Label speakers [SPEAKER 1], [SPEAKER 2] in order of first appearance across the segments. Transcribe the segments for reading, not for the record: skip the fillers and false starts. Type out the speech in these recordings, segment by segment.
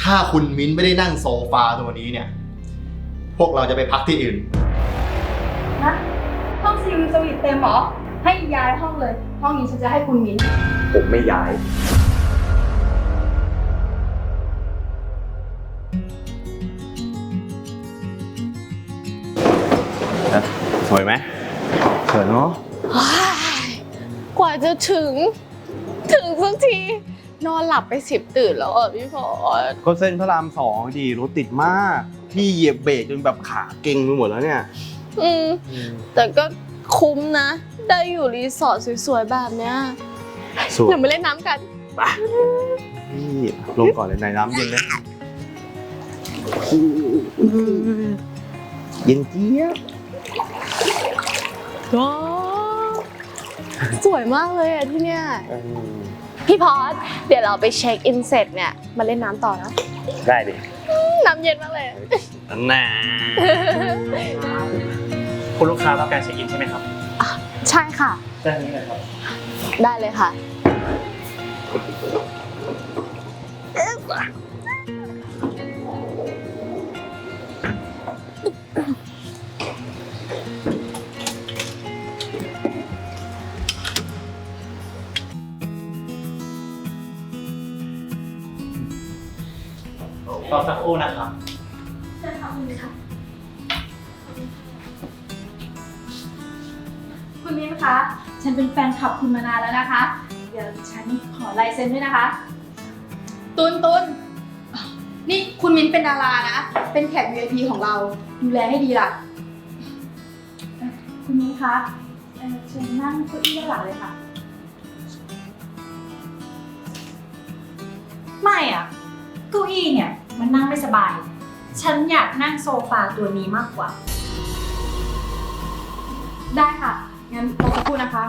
[SPEAKER 1] ถ้าคุณมิ้นไม่ได้นั่งโซฟาตัวนี้เนี่ยพวกเราจะไปพักที่อื่น
[SPEAKER 2] นะห้องซีวิวสวีทเต็มเหรอให้ย้ายห้องเลยห้องนี้ฉันจะให้คุณมิ้น
[SPEAKER 3] ผมไม่ย้ายสวยไหมสวยเนาะ
[SPEAKER 4] กว่าจะถึงสักทีนอนหลับไป10 ตื่นแล้วพี่พอด
[SPEAKER 3] ก็เส้นพระราม2ดีรถติดมากพี่เหยียบเบรกจนแบบขาเก่งไปหมดแล้วเนี่ย
[SPEAKER 4] แต่ก็คุ้มนะได้อยู่รีสอร์ทสวยๆแบบเนี้ยเดี๋ยวมาเล่นน้ำกัน
[SPEAKER 3] ไปนี่ลงก่อนเลยในน้ำเย็นนะเย็นเจี๊ยบ
[SPEAKER 4] ว้าวสวยมากเลยอ่ะที่เนี้ยพี่พอดเดี๋ยวเราไปเช็คอินเสร็จเนี่ยมาเล่นน้ำต่อนะ
[SPEAKER 3] ได้ดิ
[SPEAKER 4] น้ำเย็นมากเลย
[SPEAKER 3] น่า
[SPEAKER 5] คุณลูกค้าต้องการเช็คอินใช่ไหมครับ
[SPEAKER 4] ใช่ค่ะ
[SPEAKER 5] ด้านนี้เลยครับ
[SPEAKER 4] ได้เลยค่ะ
[SPEAKER 5] รอสักครู่นะครับ
[SPEAKER 2] ใช่ค่ะคุณมิ้นค่ะคุณมิ้นคะฉันเป็นแฟนคลับคุณมานานแล้วนะคะเดี๋ยวฉันขอลายเซ็นด้วยนะคะตุนนี่คุณมิ้นเป็นดารานะเป็นแขก VIP ของเราดูแลให้ดีล่ะคุณมิ้นคะเชิญนั่งเก้าอี้ด้านหลังเลยค่ะ
[SPEAKER 6] ไม่อ่ะเก้าอี้เนี่ยมันนั่งไม่สบายฉันอยากนั่งโซฟาตัวนี้มากกว่า
[SPEAKER 2] ได้ค่ะงั้นรอสักครู่นะคะ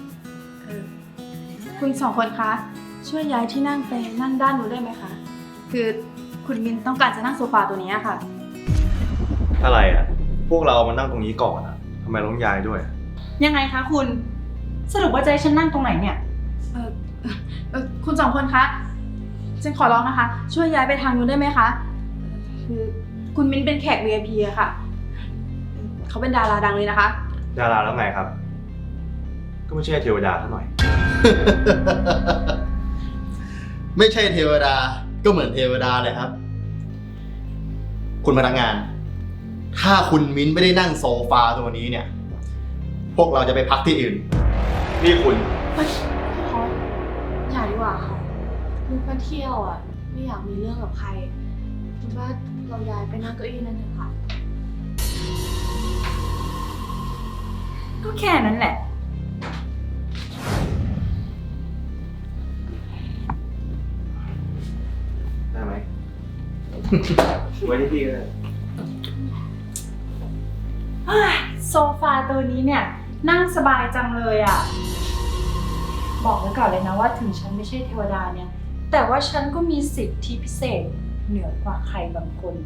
[SPEAKER 2] คุณสองคนคะช่วยย้ายที่นั่งไปนั่งด้านนู้นได้ไหมคะคือคุณมินต้องการจะนั่งโซฟาตัวนี้ค่ะ
[SPEAKER 3] อะไรอ่ะพวกเรามานั่งตรงนี้ก่อนอ่ะทำไมต้องย้ายด้วย
[SPEAKER 6] ยังไงคะคุณสรุปว่าจะให้ฉันนั่งตรงไหนเนี่ย
[SPEAKER 2] คุณสองคนคะฉันขอร้องนะคะช่วยย้ายไปทางนู้นได้ไหมคะคือคุณมิ้นเป็นแขก VIP อะค่ะเขาเป็นดาราดังเลยนะคะ
[SPEAKER 3] ดาราแล้วไงครับก็ไม่ใช่เทวดาเท่าหน่อย
[SPEAKER 1] ไม่ใช่เทวดาก็เหมือนเทวดาเลยครับคุณพนักงานถ้าคุณมิ้นไม่ได้นั่งโซฟาตัวนี้เนี่ยพวกเราจะไปพักที่อื่นนี่คุณ
[SPEAKER 4] อย่าดีกว่าค่ะลูกมาเที่ยวอ่ะไม่อยากมีเรื่องกับใครคิดว่าเราย้ายไปนั่งเก้าอี้นั่นเถอะค่ะ
[SPEAKER 6] ก็แค่นั้นแหละ
[SPEAKER 3] ได้ไหม ไว้ที่พี่ก็ได้
[SPEAKER 6] โซฟาตัวนี้เนี่ยนั่งสบายจังเลยอ่ะบอกไว้ก่อนเลยนะว่าถึงฉันไม่ใช่เทวดาเนี่ยแต่ว่าฉันก็มีสิทธิพิเศษเหนือกว่าใครบางคน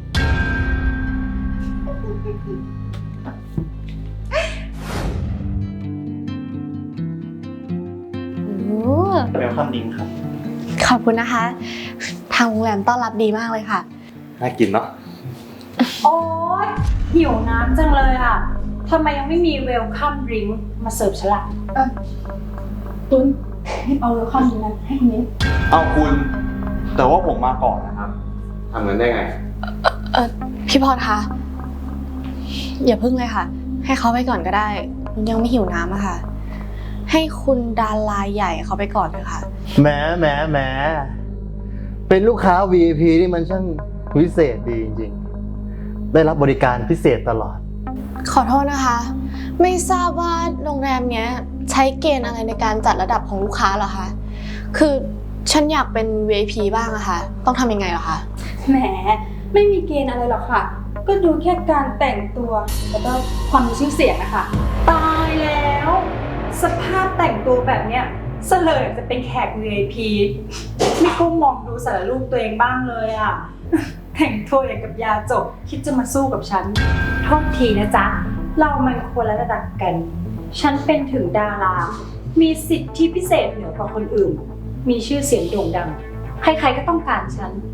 [SPEAKER 5] เวลคัมดิ้งครับ
[SPEAKER 4] ขอบคุณนะคะทางโรงแรมต้อนรับดีมากเลยค่ะ
[SPEAKER 3] น่ากินเนาะ
[SPEAKER 6] โอ๊ยหิวน้ำจังเลยอ่ะทำไมยังไม่มีเวลคัมดริงก์มาเสิร์ฟฉันล่ะ
[SPEAKER 2] ตุนรีบเอาเวลคัมดริงก์นั้นให้คุณมิ้น
[SPEAKER 3] เอาคุณแต่ว่าผมมาก่อนนะครับทำเงินได้ไง
[SPEAKER 4] พี่พรคะอย่าพึ่งเลยค่ะให้เขาไปก่อนก็ได้ยังไม่หิวน้ำอะค่ะให้คุณดาราใหญ่เขาไปก่อนเลยค่ะ
[SPEAKER 1] แหมเป็นลูกค้า VIP นี่มันช่างพิเศษดีจริงๆได้รับบริการพิเศษตลอด
[SPEAKER 4] ขอโทษนะคะไม่ทราบว่าโรงแรมเนี้ยใช้เกณฑ์อะไรในการจัดระดับของลูกค้าเหรอคะคือฉันอยากเป็น VIP บ้างอะค่ะต้องทำยังไงเหรอคะ
[SPEAKER 2] แหมไม่มีเกณฑ์อะไรหรอกค่ะก็ดูแค่การแต่งตัวแล้วก็ความมีชื่อเสียงนะคะ
[SPEAKER 6] ตายแล้วสภาพแต่งตัวแบบเนี้ยเสลยจะเป็นแขก VIP ไม่ก้มมองดูสารรูปตัวเองบ้างเลยอ่ะแต่งตัวอย่างกับยาจกคิดจะมาสู้กับฉันโทษทีนะจ๊ะเรามันคนละระดับกันฉันเป็นถึงดารามีสิทธิพิเศษเหนือกว่าคนอื่นมีชื่อเสียงโด่งดังใครๆก็ต้องการฉัน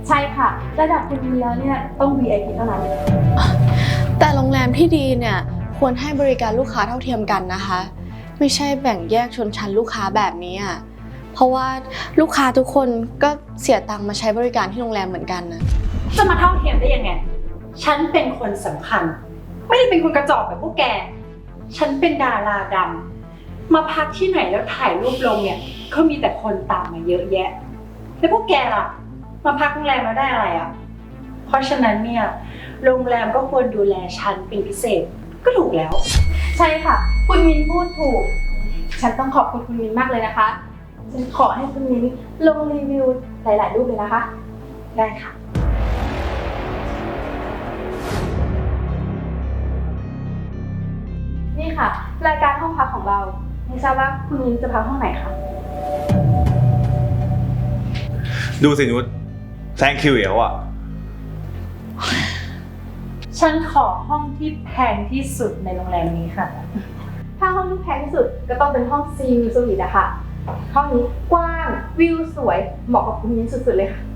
[SPEAKER 2] ใช่ค่ะ ระดับคุณมินแล้วเนี่ยต้อง VIP เท่านั้น
[SPEAKER 4] แต่โรงแรมที่ดีเนี่ยควรให้บริการลูกค้าเท่าเทียมกันนะคะ ไม่ใช่แบ่งแยกชนชั้นลูกค้าแบบนี้อ่ะเพราะว่าลูกค้าทุกคนก็เสียตังค์มาใช้บริการที่โรงแรมเหมือนกันนะ
[SPEAKER 6] จะมาเท่าเทียมได้ยังไง ฉันเป็นคนสำคัญ ไม่ได้เป็นคนกระจอกแบบพวกแก ฉันเป็นดาราดังมาพักที่ไหนแล้วถ่ายรูปลงเนี่ยก็มีแต่คนตามมาเยอะแยะ แล้วพวกแกล่ะ มาพักโรงแรมแล้วได้อะไรอ่ะ เพราะฉะนั้นเนี่ยโรงแรมก็ควรดูแลฉันเป็นพิเศษก็ถูกแล้ว
[SPEAKER 2] ใช่ค่ะ คุณมินพูดถูก ฉันต้องขอบคุณคุณมินมากเลยนะคะ ฉันขอให้คุณมินลงรีวิวหลายๆรูปเลยนะคะ
[SPEAKER 6] ได้ค่ะ
[SPEAKER 2] นี่ค่ะ รายการห้องพักของเรา ไม่ทราบว่าคุณมินจะพักห้องไหนคะ
[SPEAKER 3] ดูสินุชแซงคิวแล้วอ่ะ
[SPEAKER 6] ฉันขอห้องที่แพงที่สุดในโรงแรมนี้ค่ะ
[SPEAKER 2] ถ้าห้องที่แพงที่สุดก็ต้องเป็นห้องซีวิวสวีทอะค่ะ ห้องนี้กว้างวิวสวยเหมาะกับคุณมินสุดๆเลยค่ะ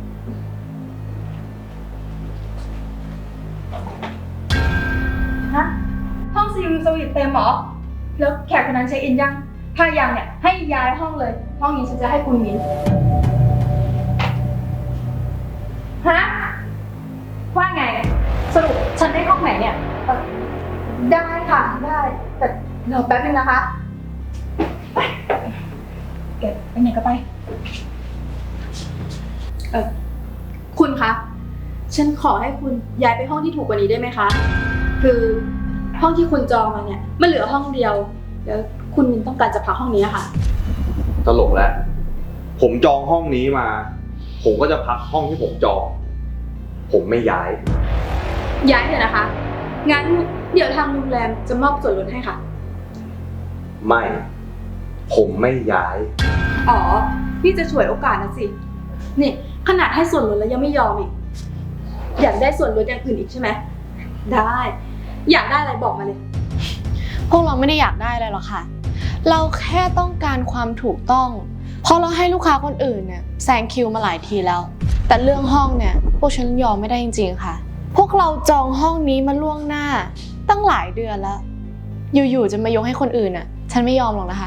[SPEAKER 2] ฮะ ห้องซีวิวสวีทเต็มเหรอ แล้วแขกคนนั้นเช็คอินยัง ถ้ายังเนี่ยให้ย้ายห้องเลย ห้องนี้ฉันจะให้คุณมินฮะ ว่าไง สรุปฉันได้ห้องไหนเนี่ย ได้ค่ะ ได้ แต่รอแป๊บนึงนะคะ ไปไหนก็ไป คุณคะ ฉันขอให้คุณย้ายไปห้องที่ถูกกว่านี้ได้ไหมคะ คือห้องที่คุณจองมาเนี่ยมันเหลือห้องเดียว แล้วคุณมินต้องการจะพักห้องนี้อะค่ะ
[SPEAKER 3] ตลกแล้ว ผมจองห้องนี้มา ผมก็จะพักห้องที่ผมจอง ผมไม่ย้าย
[SPEAKER 2] ย้ายเถอะนะคะ งั้นเดี๋ยวทางโรงแรมจะมอบส่วนลดให้ค่ะ
[SPEAKER 3] ไม่ ผมไม่ย้าย
[SPEAKER 2] อ๋อ นี่จะฉวยโอกาสนะสิ นี่ขนาดให้ส่วนลดแล้วยังไม่ยอมอีก อยากได้ส่วนลดอย่างอื่นอีกใช่ไหม ได้ อยากได้อะไรบอกมาเลย
[SPEAKER 4] พวกเราไม่ได้อยากได้อะไรหรอกค่ะ เราแค่ต้องการความถูกต้อง เพราะเราให้ลูกค้าคนอื่นเนี่ยแซงคิวมาหลายทีแล้ว แต่เรื่องห้องเนี่ยพวกฉันยอมไม่ได้จริงๆค่ะ พวกเราจองห้องนี้มาล่วงหน้าตั้งหลายเดือนแล้ว อยู่ๆจะมายกให้คนอื่นอ่ะ ฉันไม่ยอมหรอกนะคะ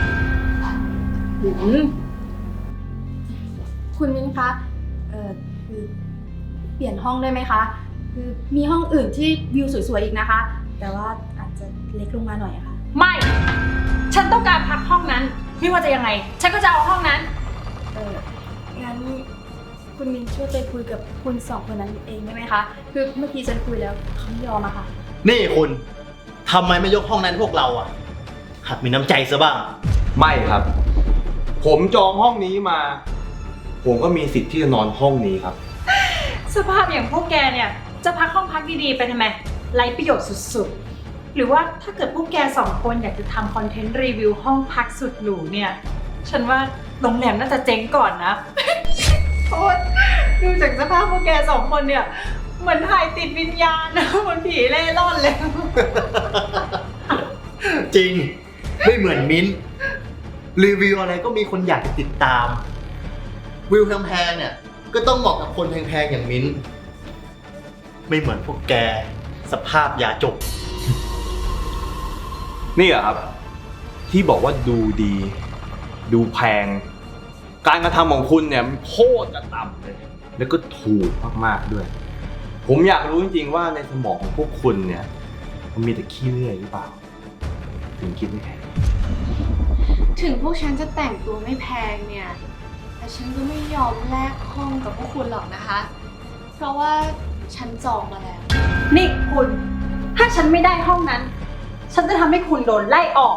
[SPEAKER 2] คุณมิ้นคะคือเปลี่ยนห้องได้ไหมคะ คือมีห้องอื่นที่วิวสวยๆอีกนะคะ แต่ว่าอาจจะเล็กลงมาหน่อยอะค่ะ
[SPEAKER 6] ไม่ ฉันต้องการพักห้องนั้น ไม่ว่าจะยังไง ฉันก็จะเอาห้องนั้น
[SPEAKER 2] งั้นคุณมินช่วยไปคุยกับคุณสองคนนั้นเองได้ไหมคะ คือเมื่อกี้ฉันคุยแล้วเขาไม่ยอมอะค่ะ
[SPEAKER 1] นี่คุณทำไมไม่ยกห้องนั้นให้พวกเราอ่ะ หัดมีน้ำใจซะบ้าง
[SPEAKER 3] ไม่ครับ ผมจองห้องนี้มา ผมก็มีสิทธิ์ที่จะนอนห้องนี้ครับ
[SPEAKER 6] สภาพอย่างพวกแกเนี่ยจะพักห้องพักดีๆไปทำไมไร้ประโยชน์สุดๆ หรือว่าถ้าเกิดพวกแกสองคนอยากจะทำคอนเทนต์รีวิวห้องพักสุดหรูเนี่ย ฉันว่าโรงแรมน่าจะเจ๊งก่อนนะ โอ๊ยดูจากสภาพพวกแกสองคนเนี่ยเหมือนถ่ายติดวิญญาณนะเหมือนผีเล่ร่อนเลย
[SPEAKER 1] จริง ไม่เหมือนมิ้นท์รีวิวอะไรก็มีคนอยากติดตาม วิวแพงๆเนี่ยก็ต้องเหมาะกับคนแพงๆอย่างมิ้นท์ไม่เหมือนพวกแกสภาพยาจก
[SPEAKER 3] นี่เหรอครับ ที่บอกว่าดูดี ดูแพง การกระทำของคุณเนี่ยโคตรจะต่ำเลย แล้วก็ถูกมากๆด้วย ผมอยากรู้จริงๆว่าในสมองของพวกคุณเนี่ยมันมีแต่ขี้เลื่อยหรือเปล่า ถึงคิดไม่แพง
[SPEAKER 4] ถึงพวกฉันจะแต่งตัวไม่แพงเนี่ย แต่ฉันก็ไม่ยอมแลกห้องกับพวกคุณหรอกนะคะ เพราะว่าฉันจองมาแล้ว
[SPEAKER 6] นี่คุณ ถ้าฉันไม่ได้ห้องนั้น ฉันจะทำให้คุณโดนไล่ออก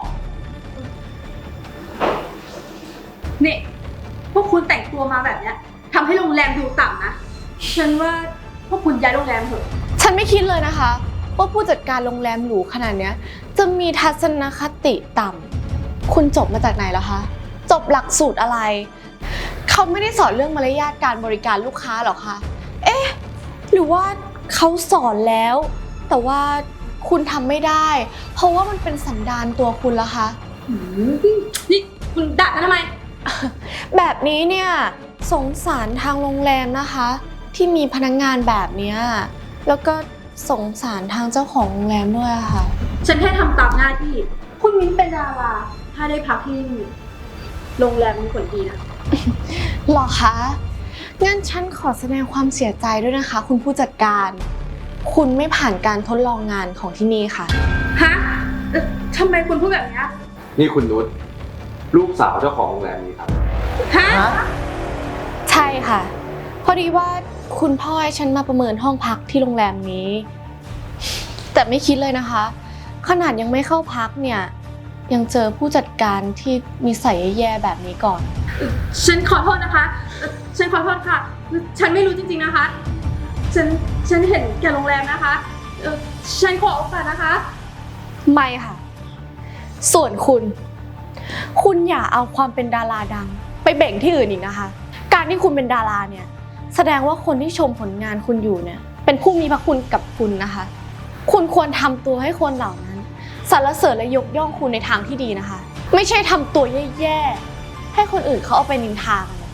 [SPEAKER 2] นี่พวกคุณแต่งตัวมาแบบเนี้ยทำให้โรงแรมดูต่ำนะ ฉันว่าพวกคุณย้ายโรงแรมเถอะ
[SPEAKER 4] ฉันไม่คิดเลยนะคะว่าผู้จัดการโรงแรมหรูขนาดเนี้ยจะมีทัศนคติต่ำคุณจบมาจากไหนเหรอคะ จบหลักสูตรอะไร เขาไม่ได้สอนเรื่องมารยาทการบริการลูกค้าหรอคะ เอ๊ะ หรือว่าเขาสอนแล้ว แต่ว่าคุณทำไม่ได้ เพราะว่ามันเป็นสันดานตัวคุณละคะ
[SPEAKER 2] นี่คุณด่ากันทำไม
[SPEAKER 4] แบบนี้เนี่ยสงสารทางโรงแรมนะคะที่มีพนักงานแบบเนี้ยแล้วก็สงสารทางเจ้าของโรงแรมด้วยอะค่ะ
[SPEAKER 2] ฉันแค่ทำตามหน้าที่ คุณมิ้นเป็นดารา ถ้าได้พักที่นี่โรงแรมมีผลดีนะ
[SPEAKER 4] หรอคะ งั้นฉันขอแสดงความเสียใจด้วยนะคะ คุณผู้จัดการ คุณไม่ผ่านการทดลองงานของที่นี่ค่ะ
[SPEAKER 2] ฮะทำไมคุณพูดแบบนี้
[SPEAKER 3] นี่คุณนุชลูกสาวเจ้าของโรงแรมนี้ครับ
[SPEAKER 2] ฮะ
[SPEAKER 4] ใช่ค่ะ พอดีว่าคุณพ่อให้ฉันมาประเมินห้องพักที่โรงแรมนี้ แต่ไม่คิดเลยนะคะ ขนาดยังไม่เข้าพักเนี่ยยังเจอผู้จัดการที่มีนิสัยแย่ๆแบบนี้ก่อน
[SPEAKER 2] ฉันขอโทษนะคะ ฉันขอโทษค่ะ ฉันไม่รู้จริงๆนะคะ ฉันเห็นแก่โรงแรมนะคะ ฉันขอโอกาสนะคะ
[SPEAKER 4] ไม่ค่ะ ส่วนคุณอย่าเอาความเป็นดาราดังไปเบ่งที่อื่นอีกนะคะ การที่คุณเป็นดาราเนี่ยแสดงว่าคนที่ชมผลงานคุณอยู่เนี่ยเป็นผู้มีพระคุณกับคุณนะคะ คุณควรทำตัวให้คนเหล่านั้นสรรเสริญและยกย่องคุณในทางที่ดีนะคะ ไม่ใช่ทำตัวแย่ๆให้คนอื่นเขาเอาไปนินทากันเลย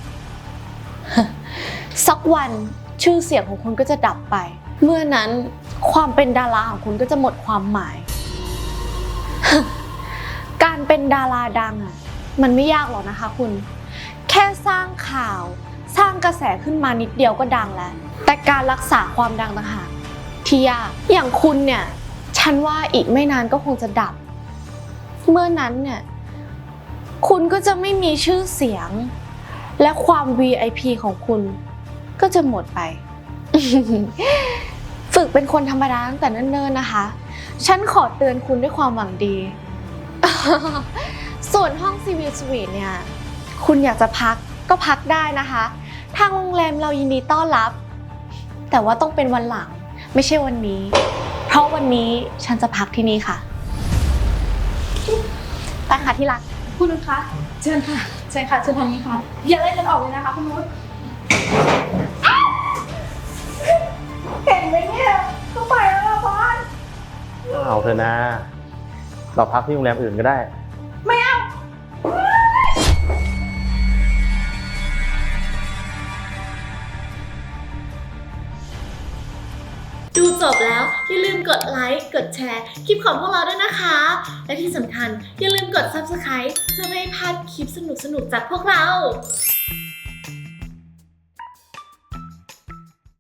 [SPEAKER 4] สักวันชื่อเสียงของคุณก็จะดับไป เมื่อนั้นความเป็นดาราของคุณก็จะหมดความหมาย การเป็นดาราดังอ่ะมันไม่ยากหรอกนะคะคุณแค่สร้างข่าวสร้างกระแสขึ้นมานิดเดียวก็ดังแล้วแต่การรักษาความดังต่างหากที่ยากอย่างคุณเนี่ยฉันว่าอีกไม่นานก็คงจะดับเมื่อนั้นเนี่ยคุณก็จะไม่มีชื่อเสียงและความ VIP ของคุณก็จะหมดไป ฝึกเป็นคนธรรมดาตั้งแต่เนิ่นๆนะคะฉันขอเตือนคุณด้วยความหวังดี ส่วนห้องซีวิลสวีทเนี่ยคุณอยากจะพักก็พักได้นะคะทางโรงแรมเรายินดีต้อนรับแต่ว่าต้องเป็นวันหลังไม่ใช่วันนี้เพราะวันนี้ฉันจะพักที่นี่ค่ะไปค่ะที่รัก
[SPEAKER 2] คุณนุชคะเชิญค่ะ เชิญค่ะ เชิญทางนี้ค่ะ อย่าไล่ฉันออกเลยนะคะคุณนุชเห็นไหมเนี่ยก็ไปแล้วล่ะบอส
[SPEAKER 5] เอาเถอะนะ เราพักที่โรงแรมอื่นก็ได้
[SPEAKER 2] ไม่เอา
[SPEAKER 4] ดูจบแล้วอย่าลืมกดไลค์กดแชร์คลิปของพวกเราด้วยนะคะ และที่สำคัญอย่าลืมกด Subscribe เพื่อไม่ให้พลาดคลิปสนุกๆจากพวกเรา